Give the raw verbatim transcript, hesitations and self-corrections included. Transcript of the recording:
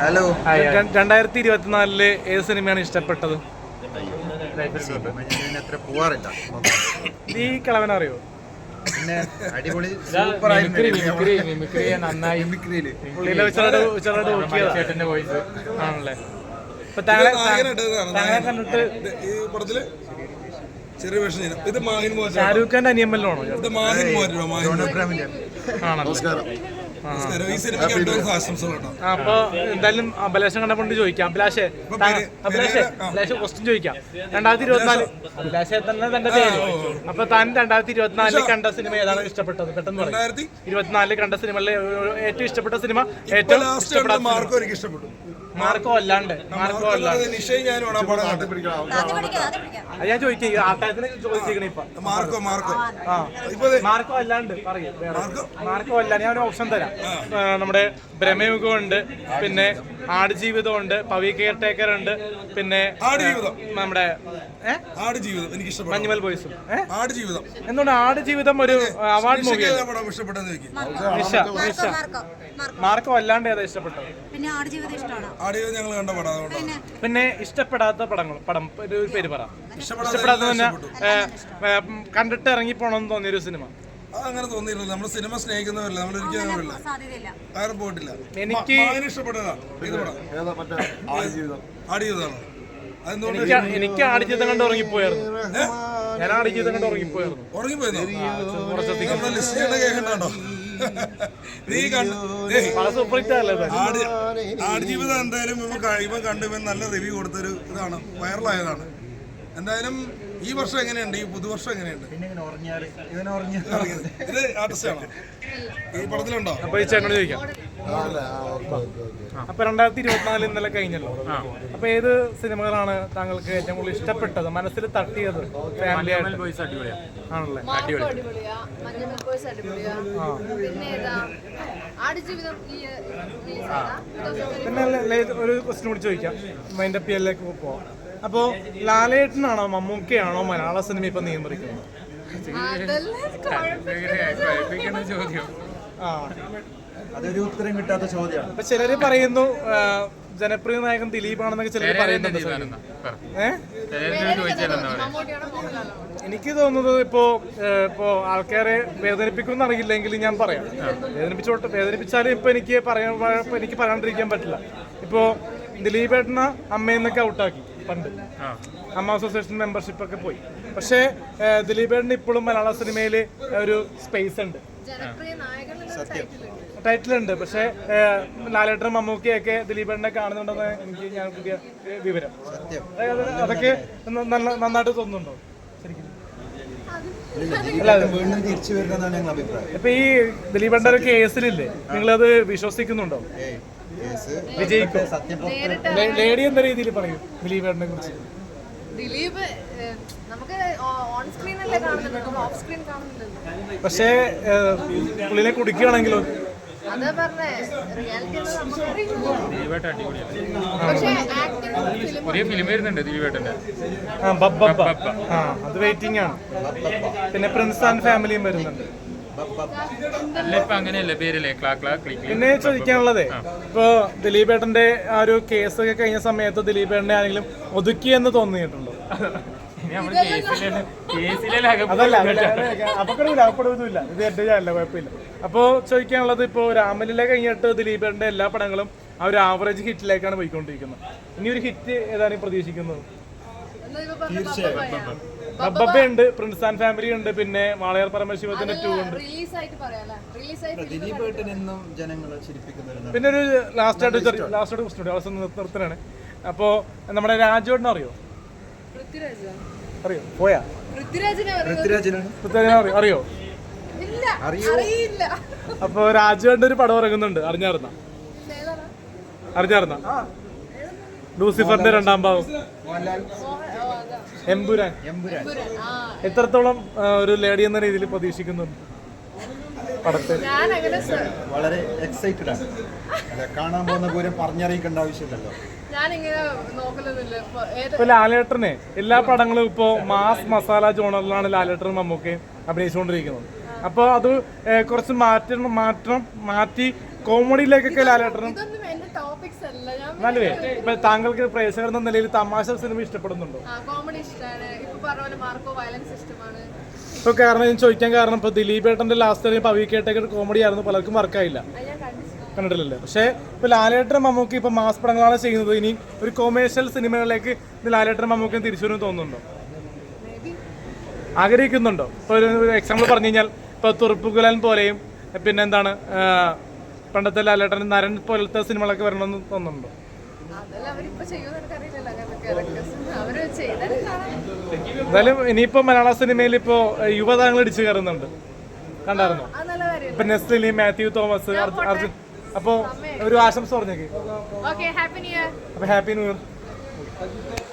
Hello. രണ്ടായിരത്തി ഇരുപത്തിനാലില് ഏത് സിനിമയാണ് ഇഷ്ടപ്പെട്ടത്? അത്ര പോവാറില്ല. ഈ കളവൻ അറിയോ? പിന്നെ അടിപൊളി വോയിസ് ആണല്ലേ. ഇപ്പൊ താങ്കളെ താങ്കളെ കണ്ടിട്ട് ഷാരൂഖ് ഖാന്റെ അനിയമ്മല്ലോ അപ്പൊ എന്തായാലും അഭിലാഷം കണ്ടപ്പോണ്ട് ചോദിക്കാം. അഭിലാഷേ അഭിലാഷേ അഭിലാഷ് ക്വസ്റ്റ്യൻ ചോദിക്കാം. രണ്ടായിരത്തി ഇരുപത്തിനാല് അഭിലാഷെ തന്നെ തന്റെ പേര്. അപ്പൊ താൻ രണ്ടായിരത്തി ഇരുപത്തിനാലില് കണ്ട സിനിമ ഏതാണ് ഇഷ്ടപ്പെട്ടത്? പെട്ടെന്ന് പറയും. ഇരുപത്തിനാലില് കണ്ട സിനിമകളിലെ ഏറ്റവും ഇഷ്ടപ്പെട്ട സിനിമ, ഏറ്റവും ഇഷ്ടപ്പെട്ട മാർക്കോ അല്ലാണ്ട് മാർക്കോ അല്ലാണ്ട് അത് ഞാൻ ചോദിക്കും. ആട്ടായത്തിനെ ചോദിച്ചിരിക്കണ ഇപ്പൊ മാർക്കോ മാർക്കോ ആ മാർക്കോ അല്ലാണ്ട് പറയും. മാർക്കോ അല്ലാണ്ട് ഞാൻ ഒരു ഓപ്ഷൻ തരാം. നമ്മുടെ ബ്രഹ്മയുഗം ഉണ്ട്, പിന്നെ ആടുജീവിതം ഉണ്ട്, പവി കെയർ ടേക്കർ ഉണ്ട്, പിന്നെ നമ്മുടെ മഞ്ഞുമൽ ബോയ്സും. എന്തുകൊണ്ട് ആടുജീവിതം ഒരു അവാർഡ് മൂവി? മാർക്കോ അല്ലാണ്ട് ഏതാ ഇഷ്ടപ്പെട്ടത്? പിന്നെ ഇഷ്ടപ്പെടാത്ത പടങ്ങൾ പടം ഒരു പേര് പറ. ഇഷ്ടപ്പെടാത്ത തന്നെ കണ്ടിട്ട് ഇറങ്ങി പോണെന്ന് തോന്നിയൊരു സിനിമ. അങ്ങനെ തോന്നിയില്ല. നമ്മൾ സിനിമ സ്നേഹിക്കുന്നവരല്ല, നമ്മൾ ഒരിക്കലും ആരും പോയിട്ടില്ല. എനിക്ക് ഇഷ്ടപ്പെട്ടതാ ആടുജീവിതമാണ്. എനിക്ക് ആടുജീവിതം കണ്ട് ഉറങ്ങിപ്പോയായിരുന്നു. ഞാൻ ആടുജീവിതം കണ്ട് ഉറങ്ങിപ്പോയായിരുന്നു. ഉറങ്ങിപ്പോയിരുന്നു കേൾക്കണ്ടോ? നീ ആടുജീവിതം എന്തായാലും ഇവൻ കണ്ടു ഇവൻ നല്ല റിവ്യൂ കൊടുത്തൊരു ഇതാണ്, വൈറലായതാണ്. എന്തായാലും ഈ വർഷം എങ്ങനെയുണ്ട്? ഈ പുതുവർഷം എങ്ങനെയുണ്ട്? ഇത് ആർട്ടിസ്റ്റാണോ ഈ പടത്തിലുണ്ടോ? അപ്പൊ ഈ ചേട്ടനോട് ചോദിക്കാം. അപ്പൊ രണ്ടായിരത്തി ഇരുപത്തിനാല് ഇന്നലെ കഴിഞ്ഞല്ലോ. അപ്പൊ ഏത് സിനിമകളാണ് താങ്കൾക്ക് ഏറ്റവും കൂടുതൽ ഇഷ്ടപ്പെട്ടത്, മനസ്സിൽ തട്ടിയത്? ഫാമിലി ആയിട്ട് ആണല്ലേ? പിന്നെ ഒരു ക്വസ്റ്റ്യൻ കൂടി ചോദിക്കാം, മൈൻഡ് അപ്പ് ചെയ്യലിലേക്ക് പോവാം. അപ്പോ ലാലേട്ടനാണോ മമ്മൂക്കയാണോ മലയാള സിനിമ ഇപ്പൊ നിയന്ത്രിക്കുന്നത്? അതൊരു ഉത്തരം കിട്ടാത്ത ചോദ്യമാണ്. അപ്പൊ ചിലര് പറയുന്നു ജനപ്രിയ നായകൻ ദിലീപാണെന്നൊക്കെ ചിലര് പറയുന്നുണ്ട്. ഏഹ് എനിക്ക് തോന്നുന്നത് ഇപ്പോ ഇപ്പോ ആൾക്കാരെ വേദനിപ്പിക്കുമെന്ന് അറിയില്ലെങ്കിൽ ഞാൻ പറയാം. വേദനിപ്പിച്ചോട്ട് വേദനിപ്പിച്ചാലും ഇപ്പൊ എനിക്ക് പറയാൻ എനിക്ക് പറയാണ്ടിരിക്കാൻ പറ്റില്ല. ഇപ്പോ ദിലീപേട്ടന അമ്മയെന്നൊക്കെ ഔട്ടാക്കി പണ്ട്, അമ്മ അസോസിയേഷൻ മെമ്പർഷിപ്പ് ഒക്കെ പോയി. പക്ഷേ ദിലീപേട്ടന് ഇപ്പോഴും മലയാള സിനിമയിൽ ഒരു സ്പേസ് ഉണ്ട്, ടൈറ്റിലുണ്ട്. പക്ഷേ ലാലേട്ടനും മമ്മൂക്കയൊക്കെ ദിലീപേട്ടനെ കാണുന്നുണ്ടെന്ന് എനിക്ക് ഞാൻ പുതിയ വിവരം. അതൊക്കെ നന്നായിട്ട് തോന്നുന്നുണ്ടോ ശരിക്കും? ഇപ്പൊ ഈ ദിലീപേട്ടന്റെ ഒരു കേസിലില്ലേ, നിങ്ങളത് വിശ്വസിക്കുന്നുണ്ടോ? വിജയിക്കും? ലേഡി എന്ന രീതിയിൽ പറയും ദിലീപേട്ടനെ കുറിച്ച്. ദിലീപ് നമുക്ക് ഓൺ സ്ക്രീൻ അല്ലേ കാണുന്നത്, നമ്മൾ ഓഫ് സ്ക്രീൻ കാണുന്നില്ലല്ലോ. പക്ഷേ പുള്ളിനെ കുടിക്കുകയാണെങ്കിലോ? അതാ പറഞ്ഞേ, റിയാലിറ്റി അത് വെയിറ്റിംഗ് ആണ്. പിന്നെ പ്രിൻസ് ആൻഡ് ഫാമിലിയും വരുന്നുണ്ട്. പിന്നെ ചോദിക്കാനുള്ളതേ, ഇപ്പൊ ദിലീപേട്ടന്റെ ആ ഒരു കേസൊക്കെ കഴിഞ്ഞ സമയത്ത് ദിലീപേട്ടനെ ആരെങ്കിലും ഒതുക്കിയെന്ന് തോന്നിയിട്ടുണ്ടോ? അതല്ല, അപകടമില്ല, അപകടമൊന്നുമില്ല. ഇത് എന്റെ ചാനല്ല, കുഴപ്പമില്ല. അപ്പോ ചോദിക്കാനുള്ളത്, ഇപ്പോ രാമലീല കഴിഞ്ഞിട്ട് ദിലീപേട്ടന്റെ എല്ലാ പടങ്ങളും ആ ഒരു ആവറേജ് ഹിറ്റിലേക്കാണ് പോയിക്കൊണ്ടിരിക്കുന്നത്. ഇനി ഒരു ഹിറ്റ് ഏതാണ് പ്രതീക്ഷിക്കുന്നത്? ബബ്ബ ഉണ്ട്, പ്രിൻസ് ആൻഡ് ഫാമിലി ഉണ്ട്, പിന്നെ വാളയാർ പരമശിവത്തിന്റെ ടൂ ഉണ്ട്. പിന്നെ ഒരു ലാസ്റ്റ് ആയിട്ട് ലാസ്റ്റ് ആയിട്ട് ക്വസ്റ്റ്യൻ അവസാനം നിർത്തലാണ്. അപ്പോ നമ്മുടെ രാജുവേട്ടനെ അറിയോ? അറിയോ? പോയാ അറിയോ? അപ്പൊ രാജുവേട്ടന്റെ ഒരു പടം ഇറങ്ങുന്നുണ്ട്, അറിഞ്ഞായിരുന്ന? അറിഞ്ഞായിരുന്ന? ലൂസിഫറിന്റെ രണ്ടാം ഭാഗം, എമ്പുരാൻ. എത്രത്തോളം ഒരു ലേഡി എന്ന രീതിയിൽ പ്രതീക്ഷിക്കുന്നുണ്ട് പടത്തെ? വളരെ എക്സൈറ്റഡ് ആണ്. കാണാൻ പോകുന്ന പൂരം പറഞ്ഞറിയിക്കേണ്ട ആവശ്യമില്ലല്ലോ. ഇപ്പൊ ലാലേട്ടനെ എല്ലാ പടങ്ങളും ഇപ്പോ മാസ് മസാല ജോണറിലാണ് ലാലേട്ടനും മമ്മൂക്കയും അഭിനയിച്ചുകൊണ്ടിരിക്കുന്നത്. അപ്പൊ അത് കുറച്ച് മാറ്റം മാറ്റം മാറ്റി കോമഡിയിലേക്കൊക്കെ ലാലേട്ടനും ടോപ്പിക്സ് അല്ല ഞാൻ എന്നാലുവേ ഇപ്പൊ താങ്കൾക്ക് പ്രേക്ഷകർ എന്ന നിലയിൽ തമാശ സിനിമ ഇഷ്ടപ്പെടുന്നുണ്ടോ? കോമഡി ഇഷ്ടമാണ്. ഇപ്പൊ പറഞ്ഞ പോലെ മാർക്കോ വയലൻസ് ഇഷ്ടമാണ്. ഇപ്പൊ കാരണം ഞാൻ ചോദിക്കാൻ കാരണം ഇപ്പൊ ദിലീപ് ഏട്ടന്റെ ലാസ്റ്റ് പവി കേട്ടൊക്കെ കോമഡി ആയിരുന്നു, പലർക്കും വർക്കായില്ല, അത് ഞാൻ കണ്ടിട്ടുണ്ട്. കണ്ടിട്ടില്ലല്ലേ? പക്ഷേ ഇപ്പൊ ലാലേട്ടനും മമ്മൂക്കി ഇപ്പൊ മാസ് പടങ്ങളാണ് ചെയ്യുന്നത്, ഇനി ഒരു കൊമേഴ്ഷ്യൽ സിനിമകളിലേക്ക് ലാലേട്ടനും മമ്മൂക്കിയും തിരിച്ചു വരും തോന്നുന്നുണ്ടോ? ആഗ്രഹിക്കുന്നുണ്ടോ? ഇപ്പൊ ഒരു എക്സാമ്പിൾ പറഞ്ഞു കഴിഞ്ഞാൽ ഇപ്പൊ തുറുപ്പുകുലൻ പോലെയും പിന്നെ എന്താണ് പണ്ടത്തെ ലാലേട്ടൻ നരൻ പോലത്തെ സിനിമകളൊക്കെ വരണമെന്ന് തോന്നുന്നുണ്ടോ? അതെല്ലാം അവരിപ്പോ ചെയ്യുമെന്ന് എനിക്കറിയില്ലല്ലോ. അങ്ങനത്തെ ക്യാരക്ടേഴ്സ് അവര് ചെയ്താലും കാണാം. എന്തായാലും ഇനിയിപ്പോ മലയാള സിനിമയിൽ ഇപ്പോ യുവതാരങ്ങൾ ഇടിച്ചു കയറുന്നുണ്ട്, കണ്ടായിരുന്നോ? അത് നല്ല കാര്യം. ഇപ്പൊ നെസ്ലിനി, മാത്യു തോമസ്, അർജുൻ. അപ്പോ ഒരു ആശംസ പറഞ്ഞേക്ക്. Okay, happy new year. അപ്പൊ ഹാപ്പി ന്യൂ ഇയർ.